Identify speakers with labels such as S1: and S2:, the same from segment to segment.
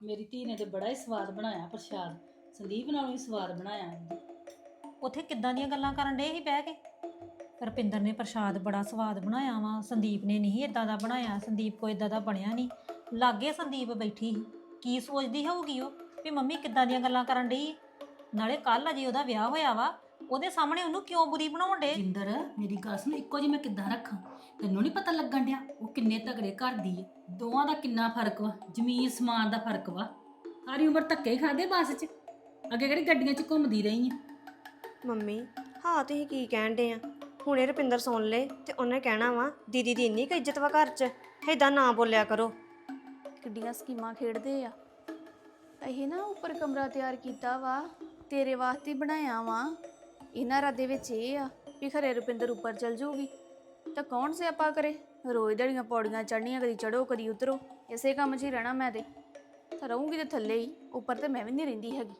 S1: ਮੇਰੀ ਧੀ ਨੇ ਤੇ ਬੜਾ ਹੀ ਸਵਾਦ ਬਣਾਇਆ ਪ੍ਰਸ਼ਾਦ। ਸੰਦੀਪ ਨਾਲੋਂ ਵੀ ਸਵਾਦ ਬਣਾਇਆ ਉਹਨੇ।
S2: ਉੱਥੇ ਕਿੱਦਾਂ ਦੀਆਂ ਗੱਲਾਂ ਕਰਨ ਡੇ ਸੀ ਬਹਿ ਕੇ। ਰੁਪਿੰਦਰ ਨੇ ਪ੍ਰਸ਼ਾਦ ਬੜਾ ਸਵਾਦ ਬਣਾਇਆ ਵਾ, ਸੰਦੀਪ ਨੇ ਨਹੀਂ ਇਦਾਂ ਦਾ ਬਣਾਇਆ, ਸੰਦੀਪ ਕੋ ਇਦਾਂ ਦਾ ਬਣਿਆ ਨਹੀਂ। ਲਾਗੇ ਸੰਦੀਪ ਬੈਠੀ ਸੀ, ਕੀ ਸੋਚਦੀ ਹੋਊਗੀ ਉਹ ਵੀ ਮੰਮੀ ਕਿੱਦਾਂ ਦੀਆਂ ਗੱਲਾਂ ਕਰਨ ਡਈ। ਨਾਲੇ ਕੱਲ ਅਜੇ ਉਹਦਾ ਵਿਆਹ ਹੋਇਆ ਵਾ, ਉਹਦੇ ਸਾਹਮਣੇ ਉਹਨੂੰ ਕਿਉਂ ਬੁਰੀ ਬਣਾਉਣ ਡੇ।
S1: ਜਿੰਦਰ ਮੇਰੀ ਗੱਲ ਸੁਣ, ਇੱਕੋ ਜਿਹੀ ਮੈਂ ਕਿੱਦਾਂ ਰੱਖਾਂ? ਤੈਨੂੰ ਨਹੀਂ ਪਤਾ ਲੱਗਣ ਡਿਆ ਉਹ ਕਿੰਨੇ ਤਗੜੇ ਘਰ ਦੀ ਹੈ? ਦੋਵਾਂ ਦਾ ਕਿੰਨਾ ਫਰਕ ਵਾ, ਜ਼ਮੀਨ ਸਮਾਨ ਦਾ ਫਰਕ ਵਾ। ਸਾਰੀ ਉਮਰ ਧੱਕੇ ਖਾਦੇ ਬੱਸ 'ਚ, ਅੱਗੇ ਕਿਹੜੀ ਗੱਡੀਆਂ 'ਚ ਘੁੰਮਦੀ ਰਹੀ ਆ।
S3: ਮੰਮੀ ਹਾਂ ਤੁਸੀਂ ਕੀ ਕਹਿਣ ਡੇ ਆ? ਹੁਣੇ ਰੁਪਿੰਦਰ ਸੁਣ ਲੇ ਤੇ ਉਹਨੇ ਕਹਿਣਾ ਵਾ ਦੀਦੀ ਦੀ ਇੰਨੀ ਕੁ ਇੱਜ਼ਤ ਵਾ ਘਰ 'ਚ, ਏਦਾਂ ਨਾ ਬੋਲਿਆ ਕਰੋ।
S4: ਕਿੱਡੀਆਂ ਸਕੀਮਾਂ ਖੇਡਦੇ ਆ। ਇਹ ਨਾ ਉੱਪਰ ਕਮਰਾ ਤਿਆਰ ਕੀਤਾ ਵਾ, ਤੇਰੇ ਵਾਸਤੇ ਬਣਾਇਆ ਵਾ। ਇਹਨਾਂ ਰਾਦੇ ਵਿੱਚ ਇਹ ਆ ਵੀ ਖਰੇ ਰੁਪਿੰਦਰ ਉੱਪਰ ਚਲ ਜਾਊਗੀ ਤਾਂ ਕੌਣ ਸਿਆਪਾ ਕਰੇ? ਰੋਜ਼ ਦੜੀਆਂ ਪੌੜੀਆਂ ਚੜ੍ਹਨੀਆਂ, ਕਦੀ ਚੜੋ ਕਦੀ ਉਤਰੋ, ਇਸੇ ਕੰਮ 'ਚ ਹੀ ਰਹਿਣਾ ਮੈਂ ਤੇ ਰਹੂੰਗੀ ਤੇ ਥੱਲੇ ਹੀ, ਉੱਪਰ ਤੇ ਮੈਂ ਵੀ ਨਹੀਂ ਰਹਿੰਦੀ ਹੈਗੀ।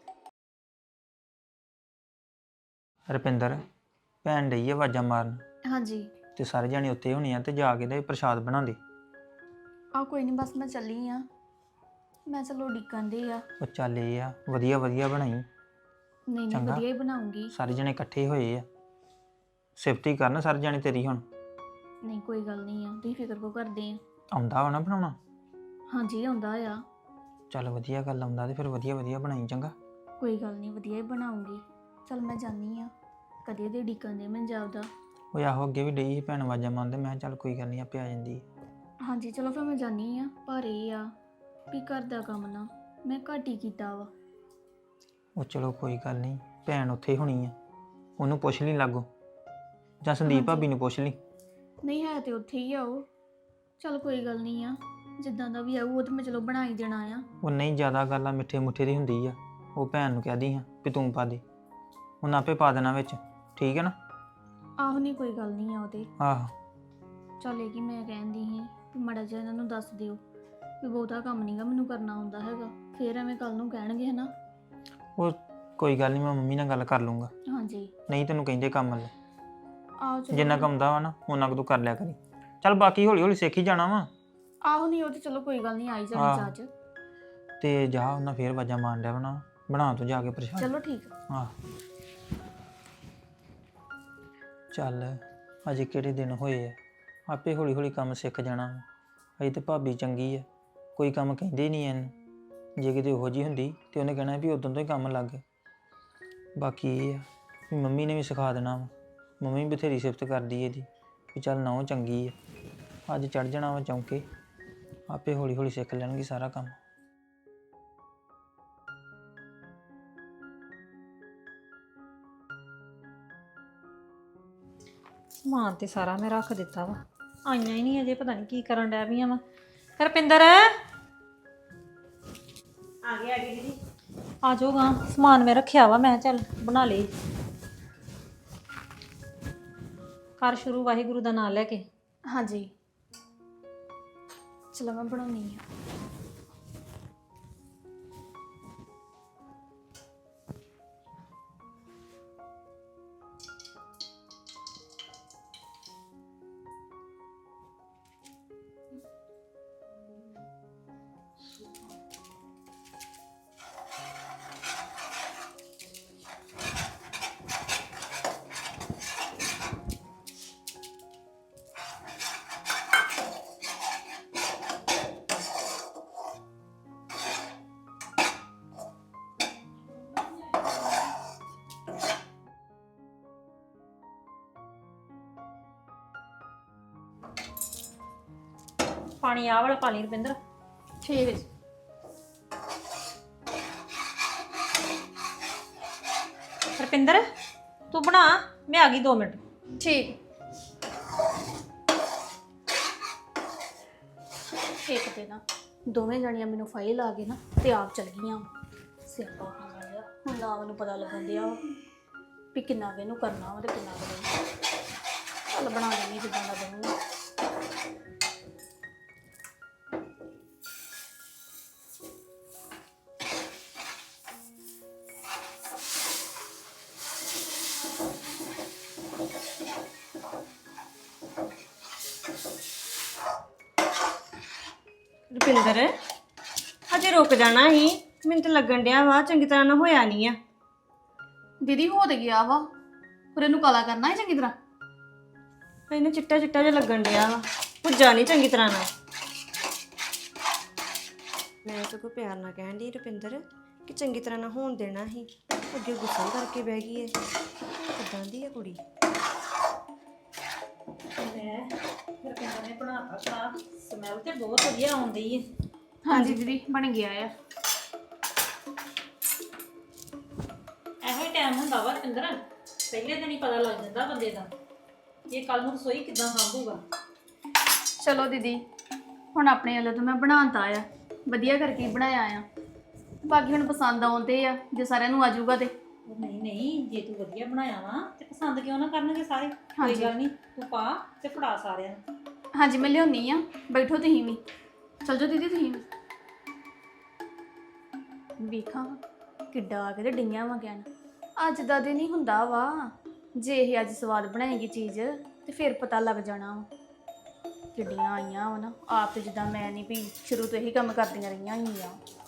S5: ਰੁਪਿੰਦਰ ਭੈਣ ਡਈ ਆ ਆਵਾਜ਼ਾਂ ਮਾਰਨ
S4: ਹਾਂਜੀ
S5: ਤੇ ਸਾਰੇ ਜਾਣੇ ਉੱਤੇ ਹੋਣੇ ਆ ਤੇ ਜਾ ਕੇ ਤੇ ਪ੍ਰਸ਼ਾਦ ਬਣਾਉਂਦੇ।
S4: ਆ ਕੋਈ ਨਹੀਂ, ਬਸ ਮੈਂ ਚੱਲੀ ਆ। ਮੈਂ ਚਲੋ ਡਿੱਕਣ ਦੇ ਆ।
S5: ਉਹ ਚੱਲ ਇਹ ਆ ਵਧੀਆ ਵਧੀਆ ਬਣਾਈ,
S4: ਨਹੀਂ
S5: ਚੰਗਾ।
S4: ਵਧੀਆ ਹੀ ਬਣਾਉਂਗੀ।
S5: ਸਾਰੇ ਜਣੇ ਇਕੱਠੇ ਹੋਏ ਆ, ਸਿਫਤੀ ਕਰਨ ਸਾਰੇ ਜਣੇ ਤੇਰੀ। ਹੁਣ
S4: ਨਹੀਂ ਕੋਈ ਗੱਲ ਨਹੀਂ ਆ, ਤੁਸੀਂ ਫਿਕਰ ਕੋ ਕਰਦੇ ਆ।
S5: ਆਉਂਦਾ ਵਾ ਨਾ ਬਣਾਉਣਾ?
S4: ਹਾਂਜੀ ਆਉਂਦਾ ਆ।
S5: ਚੱਲ ਵਧੀਆ ਗੱਲ, ਆਉਂਦਾ ਤੇ ਫਿਰ ਵਧੀਆ ਵਧੀਆ ਬਣਾਈ, ਚੰਗਾ।
S4: ਕੋਈ ਗੱਲ ਨਹੀਂ, ਵਧੀਆ ਹੀ ਬਣਾਉਂਗੀ। ਚਲ ਮੈਂ ਜਾਨੀ ਆ, ਕਦੇ ਦੇ ਡਿੱਕਣ ਦੇ ਮੈਂ ਜਾਉਦਾ।
S5: ਉਹ ਆਹੋ ਅੱਗੇ ਵੀ ਡਈ ਸੀ ਭੈਣ ਆਵਾਜ਼ਾਂ ਮਾਰਦੇ, ਮੈਂ ਕਿਹਾ ਚੱਲ ਕੋਈ ਗੱਲ ਨਹੀਂ ਆਪੇ ਆ ਜਾਂਦੀ।
S4: ਹਾਂਜੀ ਚਲੋ ਫਿਰ ਮੈਂ ਜਾਨੀ ਆ। ਪਰ ਇਹ ਆ ਵੀ ਘਰ ਦਾ ਕੰਮ ਨਾ ਮੈਂ ਘੱਟ ਹੀ ਕੀਤਾ ਵਾ।
S5: ਉਹ ਚਲੋ ਕੋਈ ਗੱਲ ਨਹੀਂ, ਭੈਣ ਉੱਥੇ ਹੋਣੀ ਆ, ਉਹਨੂੰ ਪੁੱਛ ਲਈ ਲਾਗੋ, ਜਾਂ ਸੰਦੀਪ ਭਾਬੀ ਨੂੰ ਪੁੱਛ ਲਈ।
S4: ਨਹੀਂ ਹੈ ਤੇ ਉੱਥੇ ਹੀ ਆ ਉਹ। ਚਲ ਕੋਈ ਗੱਲ ਨਹੀਂ ਆ, ਜਿੱਦਾਂ ਦਾ ਵੀ ਆਊ ਉਹ ਤਾਂ ਮੈਂ ਚਲੋ ਬਣਾ ਹੀ ਦੇਣਾ ਆ।
S5: ਉਹ ਨਹੀਂ ਜ਼ਿਆਦਾ ਗੱਲ ਆ ਮਿੱਠੇ ਮੁੱਠੇ ਦੀ ਹੁੰਦੀ ਆ, ਉਹ ਭੈਣ ਨੂੰ ਕਹਿਦੀ ਹਾਂ ਵੀ ਤੂੰ ਪਾ ਦੇ, ਉਹਨੇ ਆਪੇ ਪਾ ਦੇਣਾ ਵਿੱਚ, ਠੀਕ ਹੈ ਨਾ?
S4: ਆਹੋ ਨਹੀਂ ਕੋਈ ਗੱਲ ਨਹੀਂ ਆ ਉਹਦੇ।
S5: ਆਹੋ
S4: ਚੱਲ ਇਹ ਕਿ ਮੈਂ ਕਹਿੰਦੀ ਸੀ ਵੀ ਮਾੜਾ ਜਿਹਾ ਇਹਨਾਂ ਨੂੰ ਦੱਸ ਦਿਓ ਵੀ ਬਹੁਤਾ ਕੰਮ ਨਹੀਂਗਾ ਮੈਨੂੰ ਕਰਨਾ ਹੁੰਦਾ ਹੈਗਾ, ਫਿਰ ਐਵੇਂ ਕੱਲ ਨੂੰ ਕਹਿਣਗੇ ਹਨਾ।
S5: ਉਹ ਕੋਈ ਗੱਲ ਨਹੀਂ, ਮੈਂ ਮੰਮੀ ਨਾਲ ਗੱਲ ਕਰ ਲੂੰਗਾ।
S4: ਹਾਂਜੀ
S5: ਨਹੀਂ ਤੈਨੂੰ ਕਹਿੰਦੇ ਕੰਮ ਲੈ,
S4: ਆਹੋ ਚਲੋ।
S5: ਜਿੰਨਾ ਕੰਮ ਦਾ ਵਾ ਨਾ ਉਹਨਾਂ ਕੁ ਤੂੰ ਕਰ ਲਿਆ ਕਰੀ। ਚੱਲ ਬਾਕੀ ਹੌਲੀ ਹੌਲੀ ਸਿੱਖ ਹੀ ਜਾਣਾ ਵਾ।
S4: ਆਹੋ ਨਹੀਂ ਉਹ ਤੇ ਚਲੋ ਕੋਈ ਗੱਲ ਨਹੀਂ, ਆਈ ਜਾਣੀ ਚਾਚ।
S5: ਤੇ ਜਾ ਉਹਨਾਂ ਫੇਰ ਆਵਾਜ਼ਾਂ ਮਾਰਨ ਡਿਆ ਬਣਾ ਤੂੰ ਜਾ ਕੇ ਪ੍ਰਸ਼ਾਦ।
S4: ਚਲੋ ਠੀਕ ਆ।
S5: ਆਹ ਚੱਲ ਅਜੇ ਕਿਹੜੇ ਦਿਨ ਹੋਏ ਆ, ਆਪੇ ਹੌਲੀ ਹੌਲੀ ਕੰਮ ਸਿੱਖ ਜਾਣਾ ਵਾ। ਅਜੇ ਤੇ ਭਾਬੀ ਚੰਗੀ ਆ, ਕੋਈ ਕੰਮ ਕਹਿੰਦੇ ਨਹੀਂ ਇਹਨੂੰ। ਜੇ ਕਿਤੇ ਉਹੋ ਜਿਹੀ ਹੁੰਦੀ ਤੇ ਉਹਨੇ ਕਹਿਣਾ ਵੀ ਉਦੋਂ ਤੋਂ ਹੀ ਕੰਮ ਲੱਗ। ਬਾਕੀ ਇਹ ਆ ਵੀ ਮੰਮੀ ਨੇ ਵੀ ਸਿਖਾ ਦੇਣਾ ਵਾ, ਮੰਮੀ ਬਥੇਰੀ ਸਿਫਤ ਕਰਦੀ ਇਹਦੀ ਵੀ ਚੱਲ ਨਹੁੰ ਚੰਗੀ ਆ। ਅੱਜ ਚੜ ਜਾਣਾ ਵਾ ਚੌਂਕੇ, ਆਪੇ ਹੌਲੀ ਹੌਲੀ ਸਿੱਖ ਲੈਣਗੇ ਸਾਰਾ ਕੰਮ।
S2: ਸਮਾਨ ਤੇ ਸਾਰਾ ਮੈਂ ਰੱਖ ਦਿੱਤਾ ਵਾ, ਆਈਆਂ ਹੀ ਨਹੀਂ ਅਜੇ, ਪਤਾ ਨਹੀਂ ਕੀ ਕਰਨ ਡੈ ਪਈਆਂ ਵਾ। ਰੁਪਿੰਦਰ
S3: ਆ ਗਈ ਦੀਦੀ।
S2: ਆ ਜਾਓਗਾ, ਸਮਾਨ ਮੈਂ ਰੱਖਿਆ ਵਾ, ਮੈਂ ਚੱਲ ਬਣਾ ਲਈ। ਕਰ ਸ਼ੁਰੂ ਵਾਹਿਗੁਰੂ ਦਾ ਨਾਮ ਲੈ ਕੇ।
S4: ਹਾਂਜੀ ਚਲੋ ਮੈਂ ਬਣਾਉਣੀ ਆ।
S2: ਪਾਣੀ ਆਹ ਵਾਲਾ ਪਾ ਲਈ ਰੁਪਿੰਦਰ।
S4: ਠੀਕ ਹੈ ਜੀ।
S2: ਰੁਪਿੰਦਰ ਤੂੰ ਬਣਾ, ਮੈਂ ਆ ਗਈ 2 ਮਿੰਟ।
S4: ਠੀਕ ਇੱਕ ਤੇ ਨਾ ਦੋਵੇਂ ਜਣੀਆਂ ਮੈਨੂੰ ਫਾਈਲ ਆ ਗਏ ਨਾ ਤੇ ਆਪ ਚਲ ਗਈਆਂ। ਸਿਆਪਾ ਖਾਣਾ ਜਿਹਾ ਹੁਣ ਨਾ ਮੈਨੂੰ ਪਤਾ ਲੱਗਣ ਦਿਆ ਵੀ ਕਿੰਨਾ ਕੁ ਇਹਨੂੰ ਕਰਨਾ ਵਾ ਤੇ ਕਿੰਨਾ ਕੁ ਨਹੀਂ। ਚੱਲ ਬਣਾ ਦੇਣੀ ਜਿੱਦਾਂ ਦਾ ਬਣੂਗਾ।
S2: ਰੁਪਿੰਦਰ ਅਜੇ
S3: ਜੇ ਰੁਕ ਜਾਣਾ ਸੀ। ਮੈਨੂੰ ਤਾਂ ਲੱਗਣ ਡਿਆ ਵਾ ਚੰਗੀ ਤਰ੍ਹਾਂ ਨਾ ਹੋਇਆ ਨਹੀਂ ਆ।
S4: ਦੀਦੀ ਹੋ ਤੇ ਗਿਆ ਵਾ, ਪਰ ਇਹਨੂੰ ਕਾਲਾ ਕਰਨਾ ਹੈ ਚੰਗੀ ਤਰ੍ਹਾਂ।
S3: ਇਹਨੂੰ ਚਿੱਟਾ ਚਿੱਟਾ ਜਿਹਾ ਲੱਗਣ ਡਿਆ ਵਾ, ਭੁੱਜਾ ਨਹੀਂ ਚੰਗੀ ਤਰ੍ਹਾਂ ਨਾਲ। ਮੈਂ ਤਾਂ ਕੋਈ ਪਿਆਰ ਨਾਲ ਕਹਿਣ ਡਈ ਰੁਪਿੰਦਰ ਕਿ ਚੰਗੀ ਤਰ੍ਹਾਂ ਨਾਲ ਹੋਣ ਦੇਣਾ ਸੀ, ਅੱਗੇ ਗੁੱਸਾ ਕਰਕੇ ਬਹਿ ਗਈ ਏ। ਕਿੱਦਾਂ ਦੀ ਆ ਕੁੜੀ।
S2: ਲੈ ਫਿਰ ਕਹਿੰਦੇ ਨੇ ਬਣਾਤਾ ਚਾਹ, ਸਮੈਲ ਤੇ ਬਹੁਤ ਵਧੀਆ ਆਉਂਦੀ ਹੈ।
S4: ਹਾਂਜੀ ਦੀਦੀ ਬਣ ਗਿਆ ਆ।
S2: ਇਹੋ ਹੀ ਟਾਈਮ ਹੁੰਦਾ ਵਾ ਰਪਿੰਦਰ, ਪਹਿਲੇ ਦਿਨ ਹੀ ਪਤਾ ਲੱਗ ਜਾਂਦਾ ਬੰਦੇ ਦਾ ਇਹ ਕੱਲ ਨੂੰ ਰਸੋਈ ਕਿੱਦਾਂ ਸੰਭੂਗਾ।
S4: ਚਲੋ ਦੀਦੀ ਹੁਣ ਆਪਣੇ ਵੱਲੋਂ ਤਾਂ ਮੈਂ ਬਣਾਤਾ ਆ, ਵਧੀਆ ਕਰਕੇ ਹੀ ਬਣਾਇਆ ਆ। ਬਾਕੀ ਹੁਣ ਪਸੰਦ ਆਉਂਦੇ ਆ, ਜੇ ਸਾਰਿਆਂ ਨੂੰ ਆਜੂਗਾ ਤੇ।
S2: ਉਹ ਨਹੀਂ ਨਹੀਂ, ਜੇ ਤੂੰ ਵਧੀਆ ਬਣਾਇਆ ਵਾ ਤੇ ਪਸੰਦ ਕਿਉਂ ਨਾ ਕਰਨਗੇ ਸਾਰੇ। ਕੋਈ
S4: ਹਾਂਜੀ।
S2: ਗੱਲ ਨਹੀਂ, ਤੂੰ ਪਾ ਤੇ ਫੜਾ ਸਾਰਿਆਂ ਨੂੰ।
S4: ਹਾਂਜੀ ਮੈਂ ਲਿਆਉਣੀ ਆ, ਬੈਠੋ ਤੁਸੀਂ ਵੀ। ਚਲ ਜਾਓ ਦੀਦੀ ਤੁਸੀਂ ਵੀ। ਵੇਖਾਂ ਕਿੱਡਾ ਆ ਕੇ ਤੇ ਡਈਆਂ ਵਾ ਕਹਿਣ। ਅੱਜ ਦਾ ਦਿਨ ਹੀ ਹੁੰਦਾ ਵਾ, ਜੇ ਇਹ ਅੱਜ ਸਵਾਦ ਬਣਾਏਗੀ ਚੀਜ਼ ਤੇ ਫਿਰ ਪਤਾ ਲੱਗ ਜਾਣਾ ਵਾ। ਕਿੱਡੀਆਂ ਆਈਆਂ ਵਾ ਨਾ, ਆਪ ਤੇ ਜਿੱਦਾਂ ਮੈਂ ਨਹੀਂ ਵੀ ਸ਼ੁਰੂ ਤੋਂ ਇਹੀ ਕੰਮ ਕਰਦੀਆਂ ਰਹੀਆਂ ਹੀ ਆ।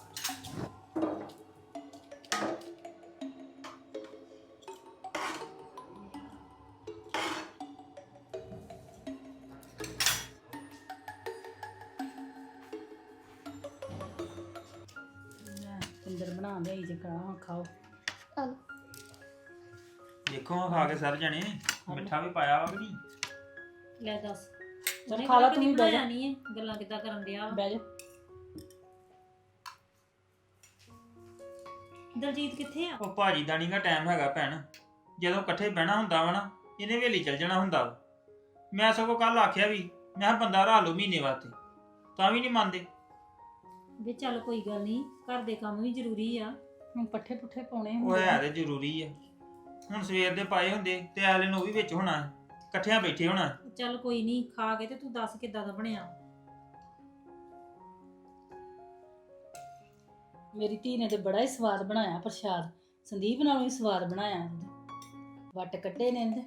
S1: ਅੰਦਰ ਬਣਾ ਲਿਆਈ ਜੇ ਖਾਓ।
S4: ਚਲ
S5: ਦੇਖੋ ਖਾ ਕੇ ਸਰ ਜਣੇ ਮਿੱਠਾ ਵੀ ਪਾਇਆ ਵਾ ਕਿ ਨਹੀਂ।
S2: ਲੈ ਦੱਸ
S1: ਚਲ ਖਾ ਲਾ ਤੂੰ ਵੀ, ਬਹਿ ਜਾ
S2: ਨਹੀਂ ਹੈ ਗੱਲਾਂ ਕਿੱਦਾਂ ਕਰਨ ਡਿਆ ਵਾ।
S1: ਬਹਿ ਜਾ।
S2: ਦਲਜੀਤ ਕਿੱਥੇ ਆ?
S5: ਉਹ ਭਾਜੀ ਦਾ ਨੀਗਾ ਟਾਈਮ ਹੈਗਾ ਭੈਣ, ਜਦੋਂ ਇਕੱਠੇ ਬਹਿਣਾ ਹੁੰਦਾ ਵਾ ਨਾ ਇਹਨੇ ਵੇਲੀ ਚੱਲ ਜਾਣਾ ਹੁੰਦਾ ਵਾ। ਮੈਂ ਸਗੋਂ ਕੱਲ ਆਖਿਆ ਵੀ ਮੈਂ ਕਿਹਾ ਬੰਦਾ ਰਾਹ ਲਓ ਮਹੀਨੇ ਵਾਸਤੇ, ਤਾਂ ਵੀ ਨਹੀਂ ਮੰਨਦੇ।
S2: ਵੀ ਚੱਲ ਕੋਈ ਗੱਲ ਨਹੀਂ, ਘਰ ਦੇ ਕੰਮ ਵੀ ਜ਼ਰੂਰੀ ਆ।
S1: ਹੁਣ ਪੱਠੇ ਪੁੱਠੇ ਪਾਉਣੇ
S5: ਉਹ ਹੈ ਤੇ ਜ਼ਰੂਰੀ ਆ, ਹੁਣ ਸਵੇਰ ਦੇ ਪਾਏ ਹੁੰਦੇ ਤੇ ਐਲੇ ਨੂੰ ਉਹ ਵੀ ਵਿੱਚ ਹੋਣਾ, ਇਕੱਠਿਆਂ ਬੈਠੇ ਹੋਣਾ।
S2: ਚੱਲ ਕੋਈ ਨਹੀਂ, ਖਾ ਕੇ ਤੇ ਤੂੰ ਦੱਸ ਕਿੱਦਾਂ ਦਾ ਬਣਿਆ।
S1: ਮੇਰੀ ਧੀ ਨੇ ਤੇ ਬੜਾ ਹੀ ਸਵਾਦ ਬਣਾਇਆ ਪ੍ਰਸ਼ਾਦ, ਸੰਦੀਪ ਨਾਲੋਂ ਵੀ ਸਵਾਦ ਬਣਾਇਆ ਉਹਨੇ। ਵੱਟ ਕੱਢੇ ਨੇ ਇਹਦੇ।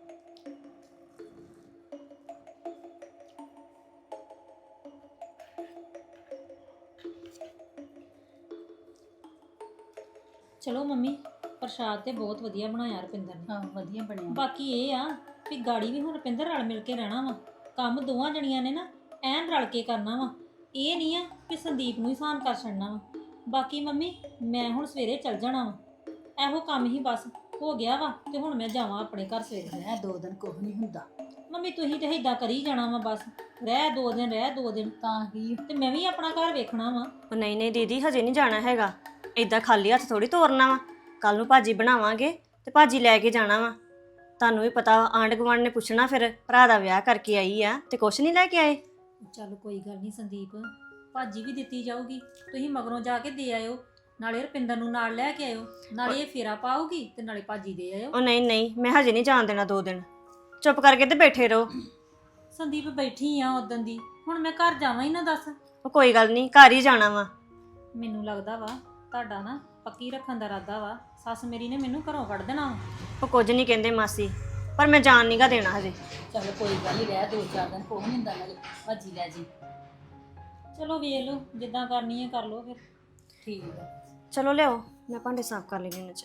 S2: ਚਲੋ ਮੰਮੀ, ਪ੍ਰਸ਼ਾਦ ਤੇ ਬਹੁਤ ਵਧੀਆ ਬਣਾਇਆ ਰੁਪਿੰਦਰ ਨੇ।
S1: ਹਾਂ ਵਧੀਆ ਬਣਿਆ।
S2: ਬਾਕੀ ਇਹ ਆ ਵੀ ਗਾੜੀ ਵੀ ਹੁਣ ਰੁਪਿੰਦਰ ਰਲ ਮਿਲ ਕੇ ਰਹਿਣਾ ਵਾ। ਕੰਮ ਦੋਵਾਂ ਜਣੀਆਂ ਨੇ ਨਾ ਐਨ ਰਲ ਕੇ ਕਰਨਾ ਵਾ। ਇਹ ਨਹੀਂ ਆ ਕਿ ਸੰਦੀਪ ਨੂੰ ਹੀ ਸਾਨ ਕਰ ਛੱਡਣਾ ਵਾ। ਬਾਕੀ ਮੰਮੀ ਮੈਂ ਹੁਣ ਸਵੇਰੇ ਚੱਲ ਜਾਣਾ ਵਾ, ਇਹੋ ਕੰਮ ਹੀ ਬਸ ਹੋ ਗਿਆ ਵਾ ਤੇ ਹੁਣ ਮੈਂ ਜਾਵਾਂ ਆਪਣੇ ਘਰ ਸਵੇਰੇ।
S1: ਰਹਿ 2 ਦਿਨ ਕੁਝ ਨਹੀਂ ਹੁੰਦਾ।
S2: ਮੰਮੀ ਤੁਸੀਂ ਤੇ ਏਦਾਂ ਕਰੀ ਜਾਣਾ ਵਾ ਬਸ, ਰਹਿ 2 ਦਿਨ ਰਹਿ 2 ਦਿਨ,
S1: ਤਾਂ ਕੀ
S2: ਤੇ ਮੈਂ ਵੀ ਆਪਣਾ ਘਰ ਵੇਖਣਾ ਵਾ।
S3: ਉਹ ਨਹੀਂ ਨਹੀਂ ਦੀਦੀ, ਹਜੇ ਨਹੀਂ ਜਾਣਾ ਹੈਗਾ। ਏਦਾਂ ਖਾਲੀ ਹੱਥ ਥੋੜੀ ਤੋਰਨਾ ਵਾ। ਕੱਲ ਨੂੰ ਭਾਜੀ ਬਣਾਵਾਂਗੇ ਤੇ ਭਾਜੀ ਲੈ ਕੇ ਜਾਣਾ ਵਾ। ਤੁਹਾਨੂੰ ਵੀ ਪਤਾ ਆਂਢ ਗੁਆਂਢ ਨੇ ਪੁੱਛਣਾ ਫਿਰ ਭਰਾ ਦਾ ਵਿਆਹ ਕਰਕੇ ਆਈ ਆ ਤੇ ਕੁਛ ਨਹੀਂ ਲੈ ਕੇ ਆਏ।
S2: ਚੱਲ ਕੋਈ ਗੱਲ ਨਹੀਂ ਸੰਦੀਪ, ਭਾਜੀ ਵੀ ਦਿੱਤੀ ਜਾਊਗੀ, ਤੁਸੀਂ ਮਗਰੋਂ ਜਾ ਕੇ ਦੇ ਆਇਓ। ਨਾਲੇ ਰੁਪਿੰਦਰ ਨੂੰ ਨਾਲ ਲੈ ਕੇ ਆਇਓ, ਨਾਲੇ ਇਹ ਫੇਰਾ ਪਾਊਗੀ ਤੇ ਨਾਲੇ ਭਾਜੀ ਦੇ ਆਇਓ।
S3: ਉਹ ਨਹੀਂ ਨਹੀਂ, ਮੈਂ ਹਜੇ ਨਹੀਂ ਜਾਣ ਦੇਣਾ 2 ਦਿਨ। ਚੁੱਪ ਕਰਕੇ ਤੇ ਬੈਠੇ ਰਹੋ।
S2: ਸੰਦੀਪ ਬੈਠੀ ਆ ਉਦੋਂ ਦੀ, ਹੁਣ ਮੈਂ ਘਰ ਜਾਵਾਂ ਹੀ ਨਾ ਦੱਸ।
S3: ਉਹ ਕੋਈ ਗੱਲ ਨਹੀਂ, ਘਰ ਹੀ ਜਾਣਾ ਵਾ।
S2: ਮੈਨੂੰ ਲੱਗਦਾ ਵਾ ਤੁਹਾਡਾ ਨਾ ਪੱਕੀ ਰੱਖਣ ਦਾ ਇਰਾਦਾ ਵਾ। ਸੱਸ ਮੇਰੀ ਨੇ ਮੈਨੂੰ ਘਰੋਂ ਕੱਢ ਦੇਣਾ ਵਾ।
S3: ਉਹ ਕੁਝ ਨਹੀਂ ਕਹਿੰਦੇ ਮਾਸੀ, ਪਰ ਮੈਂ ਜਾਣ ਨਹੀਂਗਾ ਦੇਣਾ ਹਜੇ।
S1: ਚਲ ਕੋਈ ਗੱਲ ਨਹੀਂ, ਰਹਿ 2-4 ਦਿਨ ਕੁਝ ਨਹੀਂ ਹੁੰਦਾ, ਨਾਲੇ ਭਾਜੀ ਲੈ ਜੀ।
S2: ਚਲੋ ਵੇਖ ਲਓ, ਜਿੱਦਾਂ ਕਰਨੀ ਹੈ ਕਰ ਲਓ ਫਿਰ।
S1: ਠੀਕ ਆ।
S3: ਚਲੋ ਲਿਆਓ, ਮੈਂ ਭਾਂਡੇ ਸਾਫ਼ ਕਰ ਲੈਣੀ ਉਹਨਾਂ 'ਚ।